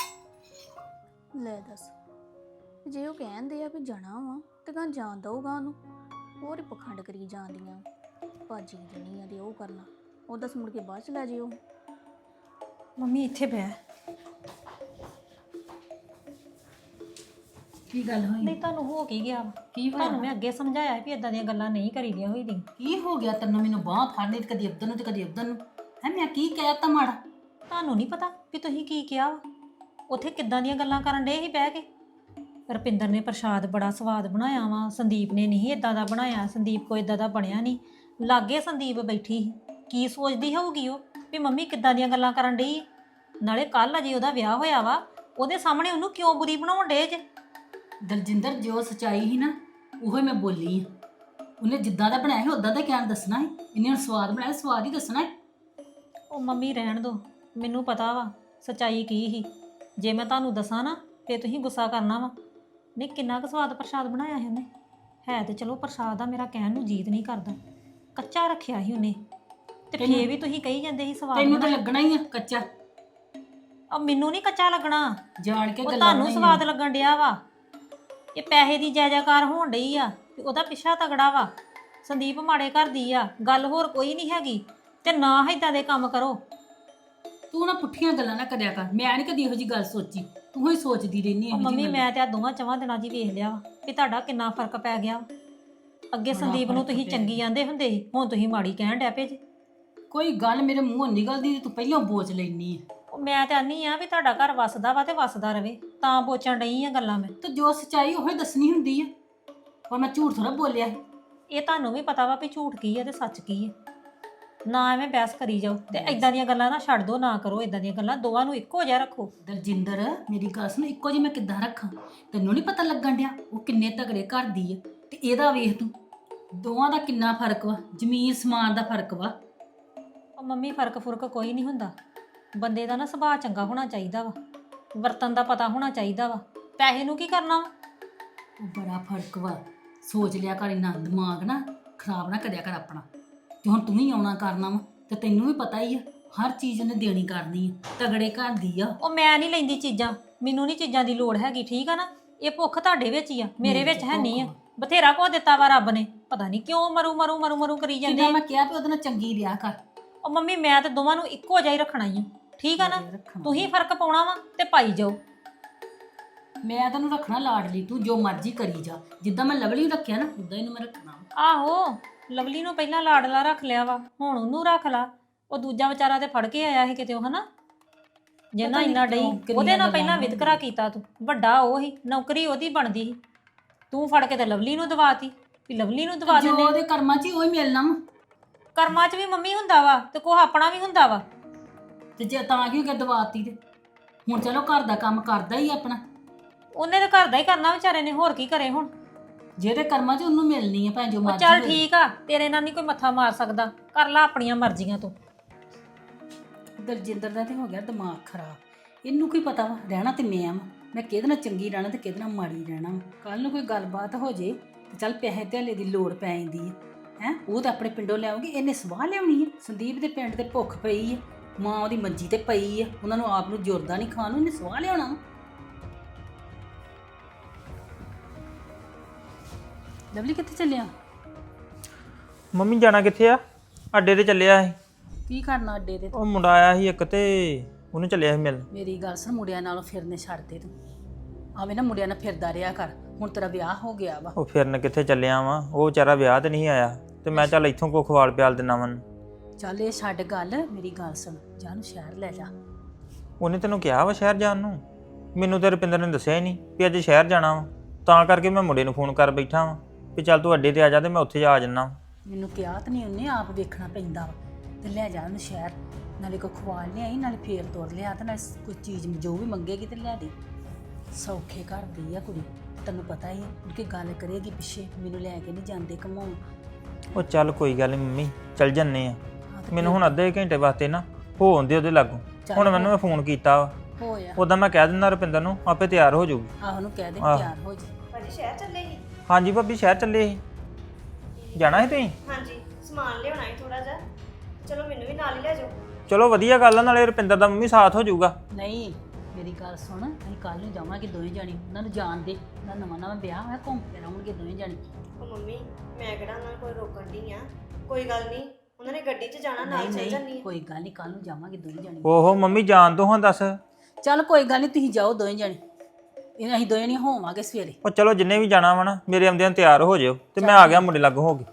S4: ਲੈ ਦੱਸ, ਜੇ ਉਹ ਕਹਿੰਦੇ ਆ ਵੀ ਜਾਣਾ ਵਾ ਤੇ ਕਾਂ ਜਾਣ ਦਊਗਾ ਉਹਨੂੰ। ਹੋਰ ਹੀ ਪਖੰਡ ਕਰੀ ਜਾਂਦੀਆਂ, ਭਾਜੀ ਦੇਣੀ ਆ ਤੇ ਉਹ ਕਰਨਾ, ਉਹ ਦੱਸ ਮੁੜ ਕੇ ਬਾਅਦ ਚ ਲੈ ਜਿਓ।
S2: ਮੰਮੀ ਇੱਥੇ ਬਹਿ।
S1: ਕੀ ਗੱਲ ਹੋਈ?
S2: ਨਹੀਂ ਤੁਹਾਨੂੰ ਹੋ ਕੀ ਗਿਆ ਵਾ?
S1: ਕੀ
S2: ਤੁਹਾਨੂੰ
S1: ਹੋਇਆ?
S2: ਮੈਂ ਅੱਗੇ ਸਮਝਾਇਆ ਵੀ ਇਦਾਂ ਦੀਆਂ ਗੱਲਾਂ ਨਹੀਂ ਕਰੀਦੀਆਂ ਹੋਈਆਂ।
S1: ਕੀ ਹੋ ਗਿਆ ਤੈਨੂੰ? ਮੈਨੂੰ ਬਾਂਹ ਫੜਨੀ ਤੇ ਕਦੀ ਉੱਧਰ ਨੂੰ ਤੇ ਕਦੀ ਉੱਧਰ ਨੂੰ। ਹੈ ਮੈਂ ਕੀ ਕਹਿਤਾ ਮਾੜਾ?
S2: ਤੁਹਾਨੂੰ ਨਹੀਂ ਪਤਾ ਵੀ ਤੁਸੀਂ ਕੀ ਕਿਹਾ ਵਾ? ਉੱਥੇ ਕਿੱਦਾਂ ਦੀਆਂ ਗੱਲਾਂ ਕਰਨ ਡੇ ਸੀ ਬਹਿ ਕੇ। ਰੁਪਿੰਦਰ ਨੇ ਪ੍ਰਸ਼ਾਦ ਬੜਾ ਸਵਾਦ ਬਣਾਇਆ ਵਾ, ਸੰਦੀਪ ਨੇ ਨਹੀਂ ਇਦਾਂ ਦਾ ਬਣਾਇਆ, ਸੰਦੀਪ ਕੋਈ ਇਦਾਂ ਦਾ ਬਣਿਆ ਨਹੀਂ। ਲਾਗੇ ਸੰਦੀਪ ਬੈਠੀ ਸੀ, ਕੀ ਸੋਚਦੀ ਹੋਊਗੀ ਉਹ ਵੀ ਮੰਮੀ ਕਿੱਦਾਂ ਦੀਆਂ ਗੱਲਾਂ ਕਰਨ ਡਈ। ਨਾਲੇ ਕੱਲ ਅਜੇ ਉਹਦਾ ਵਿਆਹ ਹੋਇਆ ਵਾ, ਉਹਦੇ ਸਾਹਮਣੇ ਉਹਨੂੰ ਕਿਉਂ ਬੁਰੀ ਬਣਾਉਣ ਡੇ ਜੇ?
S1: ਦਲਜਿੰਦਰ, ਜੋ ਸਚਾਈ ਸੀ ਨਾ ਉਹੋ ਹੀ ਮੈਂ ਬੋਲੀ ਆ। ਉਹਨੇ ਜਿੱਦਾਂ ਦਾ ਬਣਾਇਆ ਸੀ ਉਦਾਂ ਦਾ ਕਿਆ ਦੱਸਣਾ ਹੈ। ਇਹਨੇ ਹੁਣ ਸਵਾਦ ਬਣਾਇਆ, ਸਵਾਦ ਹੀ ਦੱਸਣਾ ਹੈ।
S2: ਉਹ ਮੰਮੀ ਰਹਿਣ ਦੋ, ਮੈਨੂੰ ਪਤਾ ਵਾ ਸਚਾਈ ਕੀ ਸੀ। ਜੇ ਮੈਂ ਤੁਹਾਨੂੰ ਦੱਸਾਂ ਨਾ ਤੇ ਤੁਸੀਂ ਗੁੱਸਾ ਕਰਨਾ ਵਾ। ਨਹੀਂ ਕਿੰਨਾ ਕੁ ਸਵਾਦ ਪ੍ਰਸ਼ਾਦ ਬਣਾਇਆ ਸੀ ਉਹਨੇ। ਹੈ ਤੇ ਚਲੋ ਪ੍ਰਸ਼ਾਦ ਆ, ਮੇਰਾ ਕਹਿਣ ਨੂੰ ਜੀਤ ਨਹੀਂ ਕਰਦਾ। ਕੱਚਾ ਰੱਖਿਆ ਸੀ ਉਹਨੇ, ਤੇ ਫੇਰ ਵੀ ਤੁਸੀਂ ਕਹੀ ਜਾਂਦੇ ਸੀ ਸਵਾਦ
S1: ਤੈਨੂੰ ਤਾਂ
S2: ਬਣਾਇਆ।
S1: ਲੱਗਣਾ ਹੀ ਆ ਕੱਚਾ,
S2: ਮੈਨੂੰ ਨਹੀਂ ਕੱਚਾ ਲੱਗਣਾ,
S1: ਜਾਣ ਕੇ
S2: ਉਹ
S1: ਗੱਲਾਂ
S2: ਤੁਹਾਨੂੰ
S1: ਬਣਾਈਆਂ।
S2: ਸਵਾਦ ਲੱਗਣ ਡਿਆ ਵਾ। ਇਹ ਪੈਸੇ ਦੀ ਜੈਜਾਕਾਰ ਹੋਣ ਡਈ ਆ ਤੇ ਉਹਦਾ ਪਿੱਛਾ ਤਗੜਾ ਵਾ। ਸੰਦੀਪ ਮਾੜੇ ਘਰ ਦੀ ਆ, ਗੱਲ ਹੋਰ ਕੋਈ ਨਹੀਂ ਹੈਗੀ। ਤੇ ਨਾ ਏਦਾਂ ਦੇ ਕੰਮ ਕਰੋ।
S1: ਤੂੰ ਨਾ ਪੁੱਠੀਆਂ ਗੱਲਾਂ ਨਾ ਕਰਿਆ ਕਰ, ਮੈਂ ਨਹੀਂ ਕਦੀ ਇਹੋ ਜੀ ਗੱਲ ਸੋਚੀ, ਤੂੰ ਹੀ ਸੋਚਦੀ ਰਹਿਨੀ
S2: ਉਹ
S1: ਇਹੋ
S2: ਮੰਮੀ
S1: ਜਿਹੀ
S2: ਮੈਂ ਤੇ ਆ ਦੋਵਾਂ ਚਵਾਂ ਦਿਨਾਂ 'ਚ ਹੀ ਵੇਖ ਲਿਆ ਵਾ ਕਿ ਤੁਹਾਡਾ ਕਿੰਨਾ ਫਰਕ ਪੈ ਗਿਆ ਵਾ। ਅੱਗੇ
S1: ਬੜਾ
S2: ਸੰਦੀਪ ਨੂੰ
S1: ਫਰਕ
S2: ਤੁਸੀਂ
S1: ਪਿਆ।
S2: ਚੰਗੀ ਆਂਦੇ ਹੁੰਦੇ ਸੀ, ਹੁਣ ਤੁਸੀਂ ਮਾੜੀ ਕਹਿਣ ਡੈ ਪਏ ਜੀ।
S1: ਕੋਈ ਗੱਲ ਮੇਰੇ ਮੂੰਹੋਂ ਨਿਕਲਦੀ ਤੇ ਤੂੰ ਪਹਿਲਾਂ ਬੋਚ ਲੈਨੀ ਆ।
S2: ਉਹ ਮੈਂ ਤੇ ਆਨੀ ਆ ਵੀ ਤੁਹਾਡਾ ਘਰ ਵਸਦਾ ਵਾ ਤੇ ਵਸਦਾ ਰਵੇ, ਤਾਂ ਬੋਚਣ ਡਈ ਆ ਗੱਲਾਂ ਮੈਂ।
S1: ਤੇ ਜੋ ਸੱਚਾਈ ਉਹ ਹੀ ਦੱਸਣੀ ਹੁੰਦੀ ਆ, ਪਰ ਮੈਂ ਝੂਠ ਥੋੜਾ ਬੋਲਿਆ ਸੀ।
S2: ਇਹ ਤੁਹਾਨੂੰ ਵੀ ਪਤਾ ਵਾ ਵੀ ਝੂਠ ਕੀ ਹੈ ਤੇ ਸੱਚ ਕੀ ਹੈ। ਨਾ ਐਵੇਂ ਬਹਿਸ ਕਰੀ ਜਾਓ ਤੇ ਇਦਾਂ ਦੀਆਂ ਗੱਲਾਂ ਨਾ ਛੱਡ ਦੋ, ਨਾ ਕਰੋ ਇਦਾਂ ਦੀਆਂ ਗੱਲਾਂ। ਦੋਵਾਂ ਨੂੰ ਇੱਕੋ ਜਿਹਾ ਰੱਖੋ।
S1: ਦਲਜਿੰਦਰ ਮੇਰੀ ਗੱਲ ਸੁਣ, ਇੱਕੋ ਜਿਹੀ ਮੈਂ ਕਿੱਦਾਂ ਰੱਖਾਂ? ਤੈਨੂੰ ਨਹੀਂ ਪਤਾ ਲੱਗਣ ਡਿਆ ਉਹ ਕਿੰਨੇ ਤਗੜੇ ਘਰ ਦੀ ਆ, ਤੇ ਇਹਦਾ ਵੇਖ ਤੂੰ, ਦੋਵਾਂ ਦਾ ਕਿੰਨਾ ਫਰਕ ਵਾ, ਜ਼ਮੀਨ ਸਮਾਨ ਦਾ ਫਰਕ ਵਾ।
S2: ਉਹ ਮੰਮੀ ਫਰਕ ਫੁਰਕ ਕੋਈ ਨਹੀਂ ਹੁੰਦਾ। ਬੰਦੇ ਦਾ ਨਾ ਸੁਭਾਅ ਚੰਗਾ ਹੋਣਾ ਚਾਹੀਦਾ ਵਾ, ਵਰਤਨ ਦਾ ਪਤਾ ਹੋਣਾ ਚਾਹੀਦਾ ਵਾ। ਪੈਸੇ ਨੂੰ ਕੀ ਕਰਨਾ ਵਾ?
S1: ਉਹ ਬੜਾ ਫਰਕ ਵਾ, ਸੋਚ ਲਿਆ ਕਰ, ਇੰਨਾ ਦਿਮਾਗ ਨਾ ਖਰਾਬ ਨਾ ਕਰਿਆ ਕਰ ਆਪਣਾ। ਤੇ ਹੁਣ ਤੂੰ ਹੀ ਆਉਣਾ ਕਰਨਾ ਵਾ, ਤੇ ਤੈਨੂੰ ਵੀ ਪਤਾ ਹੀ ਆ ਹਰ ਚੀਜ਼ ਉਹਨੇ ਦੇਣੀ ਕਰਨੀ ਆ, ਤਗੜੇ ਘਰ ਦੀ ਆ।
S2: ਉਹ ਮੈਂ ਨਹੀਂ ਲੈਂਦੀ ਚੀਜ਼ਾਂ, ਮੈਨੂੰ ਨਹੀਂ ਚੀਜ਼ਾਂ ਦੀ ਲੋੜ ਹੈਗੀ, ਠੀਕ ਆ ਨਾ। ਇਹ ਭੁੱਖ ਤੁਹਾਡੇ ਵਿੱਚ ਹੀ ਆ, ਮੇਰੇ ਵਿੱਚ ਹੈ ਨਹੀਂ ਆ। ਬਥੇਰਾ ਕੁਝ ਦਿੱਤਾ ਵਾ ਰੱਬ ਨੇ, ਪਤਾ ਨਹੀਂ ਕਿਉਂ ਮਰੂ ਮਰੂ ਮਰੂ ਮਰੂ ਕਰੀ ਜਾਂਦੇ
S1: ਜਿੱਦਾਂ
S2: ਆ।
S1: ਮੈਂ ਕਿਹਾ ਵੀ ਉਹਦੇ ਨਾਲ ਚੰਗੀ ਰਿਹਾ ਕਰ।
S2: ਉਹ ਮੰਮੀ ਮੈਂ ਤੇ ਦੋਵਾਂ ਨੂੰ ਇੱਕੋ ਜਿਹਾ ਹੀ ਰੱਖਣਾ ਹੀ ਆ, ਠੀਕ ਆ ਨਾ। ਤੁਸੀਂ ਫਰਕ ਪਾਉਣਾ ਵਾ ਤੇ ਪਾਈ ਜਾਓ।
S1: ਮੈਂ ਤੈਨੂੰ ਰੱਖਣਾ ਲਾਡਲੀ, ਤੂੰ ਜੋ ਮਰਜ਼ੀ ਕਰੀ ਜਾ। ਜਿੱਦਾਂ ਮੈਂ ਲਵਲੀ ਨੂੰ ਰੱਖਿਆ ਨਾ ਉਦਾਂ ਇਹਨੂੰ ਮੈਂ ਰੱਖਣਾ।
S2: ਆਹੋ, ਲਵਲੀ ਨੂੰ ਪਹਿਲਾਂ ਲਾਡਲਾ ਰੱਖ ਲਿਆ ਵਾ, ਹੁਣ ਉਹਨੂੰ ਰੱਖ ਲਾ। ਉਹ ਦੂਜਾ ਵਿਚਾਰਾ ਤੇ ਫੜ ਕੇ ਆਇਆ ਸੀ ਕਿਤੇ, ਉਹ ਹਨਾ ਜਿੰਨਾ
S1: ਪਤਾ ਨੀ
S2: ਇੰਨਾ ਡਈ
S1: ਕਿਉਂ ਕਿੰਨੀਆਂ
S2: ਉਹਦੇ ਨਾਲ
S1: ਗੱਲਾਂ
S2: ਪਹਿਲਾਂ ਵਿਤਕਰਾ ਕੀਤਾ ਤੂੰ। ਵੱਡਾ ਉਹ ਹੀ, ਨੌਕਰੀ ਉਹਦੀ ਬਣਦੀ ਸੀ, ਤੂੰ ਫੜ ਕੇ ਤੇ ਲਵਲੀ ਨੂੰ ਦਵਾਤੀ ਵੀ ਲਵਲੀ ਨੂੰ ਦਵਾ
S1: ਜੋ
S2: ਦਿੰਦੇ।
S1: ਉਹਦੇ ਕਰਮਾਂ 'ਚ ਹੀ ਉਹੀ ਮਿਲਣਾ ਵਾ।
S2: ਕਰਮਾਂ 'ਚ ਵੀ ਮੰਮੀ ਹੁੰਦਾ ਵਾ ਤੇ ਕੋਹ ਆਪਣਾ ਵੀ ਹੁੰਦਾ ਵਾ।
S1: ਤੇ ਜੇ ਤਾਂ ਕਿਉਂ ਕਿ ਦਵਾਤੀ ਤੇ ਹੁਣ ਚਲੋ ਘਰ ਦਾ ਕੰਮ ਕਰਦਾ ਹੀ ਆਪਣਾ।
S2: ਉਹਨੇ ਤਾਂ ਘਰ ਦਾ ਹੀ ਕਰਨਾ ਵਿਚਾਰੇ ਨੇ, ਹੋਰ ਕੀ ਕਰੇ ਹੁਣ।
S1: ਜਿਹਦੇ ਕਰਮਾਂ 'ਚ ਉਹਨੂੰ ਮਿਲਣੀ ਆ ਭਾਵੇਂ ਜੋ
S2: ਉਹ
S1: ਮਰਜ਼ੀ
S2: ਚੱਲ
S1: ਹੋਏ।
S2: ਠੀਕ ਆ, ਤੇਰੇ ਨਾਲ ਨਹੀਂ ਕੋਈ ਮੱਥਾ ਮਾਰ ਸਕਦਾ, ਕਰ ਲਾ ਆਪਣੀਆਂ ਮਰਜ਼ੀਆਂ ਤੂੰ।
S1: ਦਲਜਿੰਦਰ ਦਾ ਤੇ ਹੋ ਗਿਆ ਦਿਮਾਗ ਖਰਾਬ। ਇਹਨੂੰ ਕੀ ਪਤਾ ਵਾ, ਰਹਿਣਾ ਤੇ ਮੈਂ ਕਿਹਦੇ ਨਾਲ ਚੰਗੀ ਰਹਿਣਾ ਤੇ ਕਿਹਦੇ ਨਾਲ ਮਾੜੀ ਰਹਿਣਾ। ਕੱਲ ਨੂੰ ਕੋਈ ਗੱਲਬਾਤ ਹੋ ਜੇ ਤੇ ਚੱਲ ਪੈਸੇ ਧੇਲੇ ਦੀ ਲੋੜ ਪੈ ਜਾਂਦੀ ਹੈ। ਉਹ ਤਾਂ ਆਪਣੇ ਪਿੰਡੋਂ ਲਿਆਉਗੀ, ਇਹਨੇ ਸਵਾਹ ਲਿਆਉਣੀ ਹੈ। ਸੰਦੀਪ ਦੇ ਪਿੰਡ ਤੇ ਭੁੱਖ ਪਈ ਹੈ, ਮਾਂ ਉਹਦੀ ਮੰਜੀ ਤੇ ਪਈ ਹੈ, ਉਹਨਾਂ ਨੂੰ ਆਪ ਨੂੰ ਜੁਰਦਾ ਨਹੀਂ ਖਾਣ ਨੂੰ, ਇਹਨੇ ਸਵਾਹ ਲਿਆਉਣਾ ਵਾ। ਲਵਲੀ ਕਿੱਥੇ ਚੱਲਿਆ?
S5: ਮੰਮੀ ਜਾਣਾ ਕਿੱਥੇ ਆ? ਅੱਡੇ ਤੇ ਚੱਲਿਆ ਸੀ।
S1: ਕੀ ਕਰਨਾ ਅੱਡੇ ਤੇ?
S5: ਉਹ ਮੁੰਡਾ ਆਇਆ ਸੀ ਇੱਕ ਤੇ ਉਹਨੂੰ ਚੱਲਿਆ ਸੀ ਮਿਲਣ।
S1: ਮੇਰੀ ਗੱਲ ਸੁਣ, ਮੁੰਡਿਆਂ ਨਾਲੋਂ ਫਿਰਨੇ ਛੱਡ ਦੇ ਤੂੰ। ਆਵੇਂ ਨਾ ਮੁੰਡਿਆਂ ਨਾਲ ਫਿਰਦਾ ਰਿਹਾ ਕਰ, ਹੁਣ ਤੇਰਾ ਵਿਆਹ ਹੋ ਗਿਆ ਵਾ।
S5: ਉਹ ਫਿਰਨ ਕਿੱਥੇ ਚੱਲਿਆ ਵਾ, ਉਹ ਵਿਚਾਰਾ ਵਿਆਹ ਤੇ ਨਹੀਂ ਆਇਆ ਤੇ ਮੈਂ ਚੱਲ ਇੱਥੋਂ ਕੋ ਖਵਾਲ ਪਿਆਲ ਦਿਨਾ ਮਨ।
S1: ਚੱਲ ਇਹ ਛੱਡ ਗੱਲ, ਮੇਰੀ ਗੱਲ ਸੁਣ, ਜਾ ਨੂੰ ਸ਼ਹਿਰ ਲੈ ਜਾ।
S5: ਉਹਨੇ ਤੈਨੂੰ ਕਿਹਾ ਵਾ ਸ਼ਹਿਰ ਜਾਣ ਨੂੰ? ਮੈਨੂੰ ਤੇ ਰੁਪਿੰਦਰ ਨੇ ਦੱਸਿਆ ਹੀ ਨਹੀਂ ਵੀ ਅੱਜ ਸ਼ਹਿਰ ਜਾਣਾ ਵਾ, ਤਾਂ ਕਰਕੇ ਮੈਂ ਮੁੰਡੇ ਨੂੰ ਫੋਨ ਕਰ ਬੈਠਾ ਵਾਂ ਵੀ ਚੱਲ ਤੂੰ ਅੱਡੇ ਤੇ ਆ ਜਾ ਤੇ ਮੈਂ ਉੱਥੇ ਆ ਜਾਣਾ।
S1: ਮੈਨੂੰ ਕਿਹਾ ਤਾਂ ਨਹੀਂ ਉਹਨੇ, ਆਪ ਵੇਖਣਾ ਪੈਂਦਾ ਵਾ। ਤੇ ਲੈ ਜਾ ਉਹਨੂੰ ਸ਼ਹਿਰ, ਨਾਲੇ ਕੋ ਖਵਾ ਲਿਆਈ, ਨਾਲੇ ਫੇਰ ਤੋਰ ਲਿਆ, ਤੇ ਨਾਲੇ ਕੋਈ ਚੀਜ਼ ਜੋ ਵੀ ਮੰਗੇਗੀ ਤੇ ਲਿਆ ਦੇ। ਸੌਖੇ ਘਰ ਦੀ ਆ ਕੁੜੀ, ਤੈਨੂੰ ਪਤਾ ਹੀ ਹੈ ਕਿ ਗੱਲ ਕਰੇਗੀ ਪਿੱਛੇ, ਮੈਨੂੰ ਲੈ ਕੇ ਨਹੀਂ ਜਾਂਦੇ ਘਮਾਉਣ।
S5: ਉਹ ਚੱਲ ਕੋਈ ਗੱਲ ਨਹੀਂ ਮੰਮੀ, ਚੱਲ ਜੰਨੇ ਆ।
S1: ਹਾਂ ਤੇ
S5: ਮੈਨੂੰ ਹੁਣ ਅੱਧੇ ਘੰਟੇ ਵਾਸਤੇ ਨਾ ਹੋ ਆਉਂਦੇ ਉਹਦੇ ਲਾਗੋਂ। ਹੁਣ ਮੈਨੂੰ ਮੈਂ ਫੋਨ ਕੀਤਾ ਵਾ,
S1: ਹੋਇਆ
S5: ਉਦਾਂ ਮੈਂ ਕਹਿ ਦਿੰਦਾ ਰੁਪਿੰਦਰ ਨੂੰ, ਆਪੇ ਤਿਆਰ ਹੋ ਜਾਊਗੀ।
S1: ਆਹ ਉਹਨੂੰ ਕਹਿ ਦੇ
S5: ਆਹ।
S1: ਤਿਆਰ ਹੋ ਜਾ।
S3: ਭਾਜੀ ਸ਼ਹਿਰ ਚੱਲੇ ਸੀ?
S5: ਹਾਂਜੀ ਭਾਬੀ ਸ਼ਹਿਰ ਚੱਲੇ ਸੀ। ਜਾਣਾ ਸੀ ਤੁਸੀਂ?
S3: ਹਾਂਜੀ, ਸਮਾਨ ਲਿਆਉਣਾ ਹੈ ਥੋੜਾ ਜਿਹਾ। ਚਲੋ ਮੈਨੂੰ ਵੀ ਨਾਲ ਹੀ ਲੈ ਜਾਓ।
S5: ਚਲੋ ਵਧੀਆ ਗੱਲ ਆ, ਨਾਲੇ ਰੁਪਿੰਦਰ ਦਾ ਮੰਮੀ ਸਾਥ ਹੋ ਜਾਊਗਾ।
S1: ਨਹੀਂ ਮੇਰੀ ਗੱਲ ਸੁਣ, ਅਸੀਂ ਕੱਲ ਨੂੰ ਜਾਵਾਂਗੇ ਦੋਵੇਂ ਜਾਣੇ, ਉਹਨਾਂ ਨੂੰ ਜਾਣ ਦੇ, ਉਹਨਾਂ ਨਵਾਂ ਨਵਾਂ ਵਿਆਹ ਹੋਇਆ, ਘੁੰਮ ਫਿਰ ਆਉਣਗੇ ਦੋਵੇਂ ਜਾਣੇ।
S3: ਉਹ ਮੰਮੀ ਮੈਂ ਕਿਹੜਾ ਉਹਨਾਂ ਨੂੰ ਕੋਈ ਰੋਕਣ ਦੀ ਆ, ਕੋਈ ਗੱਲ ਨਹੀਂ, ਉਹਨਾਂ ਨੇ ਗੱਡੀ 'ਚ ਜਾਣਾ, ਨਾਲ ਚੱਲ ਜਾਂਦੀ
S1: ਨਹੀਂ
S3: ਆ।
S1: ਕੋਈ ਗੱਲ ਨਹੀਂ, ਕੱਲ ਨੂੰ ਜਾਵਾਂਗੇ ਦੋਵੇਂ ਜਾਣੇ।
S5: ਓਹੋ ਮੰਮੀ ਜਾਣ ਦੋ ਹਾਂ, ਦੱਸ।
S1: ਚੱਲ ਕੋਈ ਗੱਲ ਨਹੀਂ, ਤੁਸੀਂ ਜਾਓ ਦੋਵੇਂ ਜਾਣੇ, ਇਹ ਅਸੀਂ ਦੋਵੇਂ ਨਹੀਂ ਹੋਵਾਂਗੇ ਸਵੇਰੇ।
S5: ਉਹ ਚਲੋ ਜਿੰਨੇ ਵੀ ਜਾਣਾ ਵਾ ਨਾ, ਮੇਰੇ ਆਉਂਦਿਆਂ ਤਿਆਰ ਹੋ ਜਿਓ ਤੇ ਮੈਂ ਆ ਗਿਆ ਮੁੰਡੇ ਲੱਗ ਹੋ ਗਏ।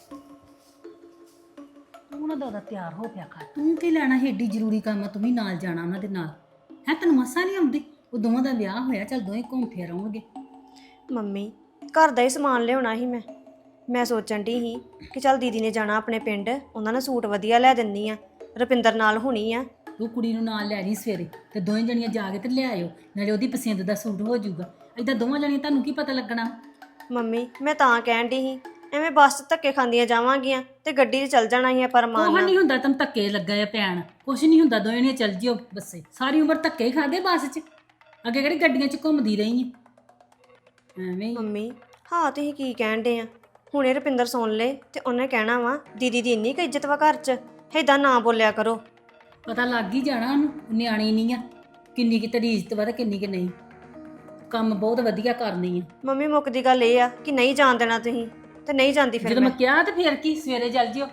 S1: ਤੂੰ ਨਾ ਦਾਦਾ ਤਿਆਰ ਹੋ ਪਿਆ ਕਰ, ਤੂੰ ਕੀ ਲੈਣਾ, ਏਡੀ ਜ਼ਰੂਰੀ ਕੰਮ ਆ, ਤੂੰ ਵੀ ਨਾਲ ਜਾਣਾ ਉਹਨਾਂ ਦੇ ਨਾਲ ਹੈ। ਤੈਨੂੰ ਮਸਾਂ ਨਹੀਂ ਆਉਂਦੀ, ਉਹ ਦੋਵਾਂ ਦਾ ਵਿਆਹ ਹੋਇਆ, ਚੱਲ ਦੋਵੇਂ ਘੁੰਮ ਫਿਰ ਆਉਣਗੇ।
S3: ਮੰਮੀ ਘਰ ਦਾ ਹੀ ਸਮਾਨ ਲਿਆਉਣਾ ਸੀ ਮੈਂ ਸੋਚਣ ਦੀ ਸੀ ਕਿ ਚੱਲ ਦੀਦੀ ਨੇ ਜਾਣਾ ਆਪਣੇ ਪਿੰਡ, ਉਹਨਾਂ ਨੂੰ ਸੂਟ ਵਧੀਆ ਲੈ ਦਿੰਦੀ ਆ, ਰੁਪਿੰਦਰ ਨਾਲ ਹੋਣੀ ਆ।
S1: ਤੂੰ ਕੁੜੀ ਨੂੰ ਨਾਲ ਲੈ ਜੀ ਸਵੇਰੇ, ਤੇ ਦੋਵੇਂ ਜਣੀਆਂ ਜਾ ਕੇ ਤੇ ਲੈ ਆਇਓ, ਨਾਲੇ ਉਹਦੀ ਪਸੰਦ ਦਾ ਸੂਟ ਹੋ ਜਾਊਗਾ। ਏਦਾਂ ਦੋਵਾਂ ਜਣੀਆਂ ਤੁਹਾਨੂੰ ਕੀ ਪਤਾ ਲੱਗਣਾ।
S3: ਮੰਮੀ ਮੈਂ ਤਾਂ ਕਹਿਣ ਦੀ ਸੀ, ਐਵੇਂ ਬੱਸ 'ਚ ਧੱਕੇ ਖਾਂਦੀਆਂ ਜਾਵਾਂਗੀਆਂ ਤੇ ਗੱਡੀ 'ਚ ਚੱਲ ਜਾਣਾ ਸੀ ਪਰ
S1: ਕੁਛ
S3: ਮਾਨ
S1: ਨਹੀਂ ਹੁੰਦਾ, ਤੈਨੂੰ ਧੱਕੇ ਲੱਗਾ ਆ ਪੈਣ, ਕੁਛ ਨਹੀਂ ਹੁੰਦਾ, ਦੋਵੇਂ ਜਣੀਆਂ ਚੱਲ ਜਿਓ ਬੱਸੇ। ਸਾਰੀ ਉਮਰ ਧੱਕੇ ਹੀ ਖਾਦੇ ਬੱਸ 'ਚ, ਅੱਗੇ ਕਿਹੜੀ ਗੱਡੀਆਂ 'ਚ ਘੁੰਮਦੀ ਰਹੀ ਐ ਐਵੇਂ ਹੀ।
S3: ਮੰਮੀ ਹਾਂ ਤੁਸੀਂ ਕੀ ਕਹਿਣ ਦੇ ਆ, ਹੁਣੇ ਰੁਪਿੰਦਰ ਸੁਣ ਲੇ ਤੇ ਉਹਨੇ ਕਹਿਣਾ ਵਾ ਦੀਦੀ ਦੀ ਇੰਨੀ ਕੁ ਇੱਜ਼ਤ ਵਾ ਘਰ 'ਚ ਏਦਾਂ ਨਾ ਬੋਲਿਆ ਕਰੋ।
S1: ਪਤਾ ਲੱਗ ਹੀ ਜਾਣਾ ਉਹਨੂੰ, ਨਿਆਣੀ ਨਹੀਂ ਆ, ਕਿੰਨੀ ਕਿ ਤੇਰੀ ਇੱਜ਼ਤ ਵਾ ਤੇ ਕਿੰਨੀ ਕਿ ਨਹੀਂ। ਕੰਮ ਬਹੁਤ ਵਧੀਆ ਕਰਨੀ ਆ।
S3: ਮੰਮੀ ਮੁੱਕਦੀ ਗੱਲ ਇਹ ਆ ਕਿ ਨਹੀਂ ਜਾਣ ਦੇਣਾ ਤੁਸੀਂ, ਤੇ ਨਹੀਂ ਜਾਂਦੀ ਫਿਰ
S1: ਜਦੋਂ
S3: ਮੈਂ।
S1: ਮੈਂ ਕਿਹਾ ਤੇ ਫਿਰ ਕੀ, ਸਵੇਰੇ ਚੱਲ ਜਿਓ।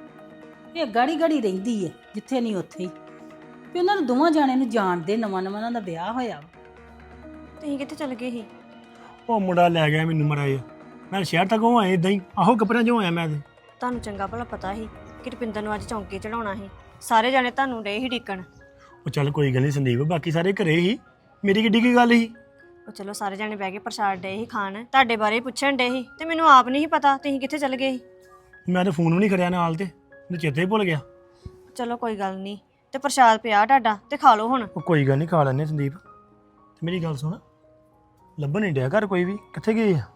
S1: ਇਹ ਗਾੜੀ ਗਾੜੀ ਰਹਿੰਦੀ ਹੈ, ਜਿੱਥੇ ਨਹੀਂ ਉੱਥੇ ਹੀ। ਵੀ ਉਹਨਾਂ ਨੂੰ ਦੋਵਾਂ ਜਾਣਿਆਂ ਨੂੰ ਜਾਣਦੇ, ਨਵਾਂ ਨਵਾਂ ਉਹਨਾਂ ਦਾ ਵਿਆਹ ਹੋਇਆ ਵਾ।
S3: ਤੁਸੀਂ ਕਿੱਥੇ ਚਲ ਗਏ ਸੀ?
S6: ਉਹ ਮੁੰਡਾ ਲੈ ਗਿਆ ਮੈਨੂੰ ਮਰਾਇਆ। ਮੈਂ ਸ਼ਹਿਰ ਤੱਕ ਉਹ ਆਏ ਇਦਾਂ ਹੀ, ਆਹੋ ਕੱਪੜਿਆਂ 'ਚੋਂ ਆਇਆ ਮੈਂ ਤੇ।
S3: ਤੁਹਾਨੂੰ ਚੰਗਾ ਭਲਾ ਪਤਾ ਸੀ ਕਿ ਰੁਪਿੰਦਰ ਨੂੰ ਅੱਜ ਚੌਂਕੇ ਚੜਾਉਣਾ ਸੀ। ਸਾਰੇ ਜਾਣੇ ਤੁਹਾਨੂੰ ਡੇ ਹੀ ਢੀਕਣ।
S6: ਉਹ ਚੱਲ ਕੋਈ ਗੱਲ ਨਹੀਂ ਸੰਦੀਪ, ਬਾਕੀ ਸਾਰੇ ਘਰੇ ਹੀ, ਮੇਰੀ ਕਿੱਡੀ ਕੀ ਗੱਲ ਸੀ।
S3: ਉਹ ਚਲੋ ਸਾਰੇ ਜਾਣੇ ਬਹਿ ਕੇ ਪ੍ਰਸ਼ਾਦ ਡੇ ਹੀ ਖਾਣ, ਤੁਹਾਡੇ ਬਾਰੇ ਪੁੱਛਣ ਡੇ ਸੀ ਤੇ ਮੈਨੂੰ ਆਪ ਨਹੀਂ ਸੀ ਪਤਾ ਤੁਸੀਂ ਕਿੱਥੇ ਚਲ ਗਏ ਸੀ।
S6: ਮੈਂ ਤਾਂ ਫੋਨ ਵੀ ਨਹੀਂ ਕਰਿਆ ਨਾਲ, ਤੇ ਮੈਨੂੰ ਚੇਤੇ ਹੀ ਭੁੱਲ ਗਿਆ।
S3: ਚਲੋ ਕੋਈ ਗੱਲ ਨਹੀਂ, ਤੇ ਪ੍ਰਸ਼ਾਦ ਪਿਆ ਤੁਹਾਡਾ ਤੇ ਖਾ ਲਓ ਹੁਣ।
S6: ਉਹ ਕੋਈ ਗੱਲ ਨਹੀਂ, ਖਾ ਲੈਂਦੇ ਸੰਦੀਪ। ਤੇ ਮੇਰੀ ਗੱਲ ਸੁਣ, ਲੱਭਣ ਨਹੀਂ ਡਿਆ ਘਰ ਕੋਈ ਵੀ, ਕਿੱਥੇ ਗਏ ਆ?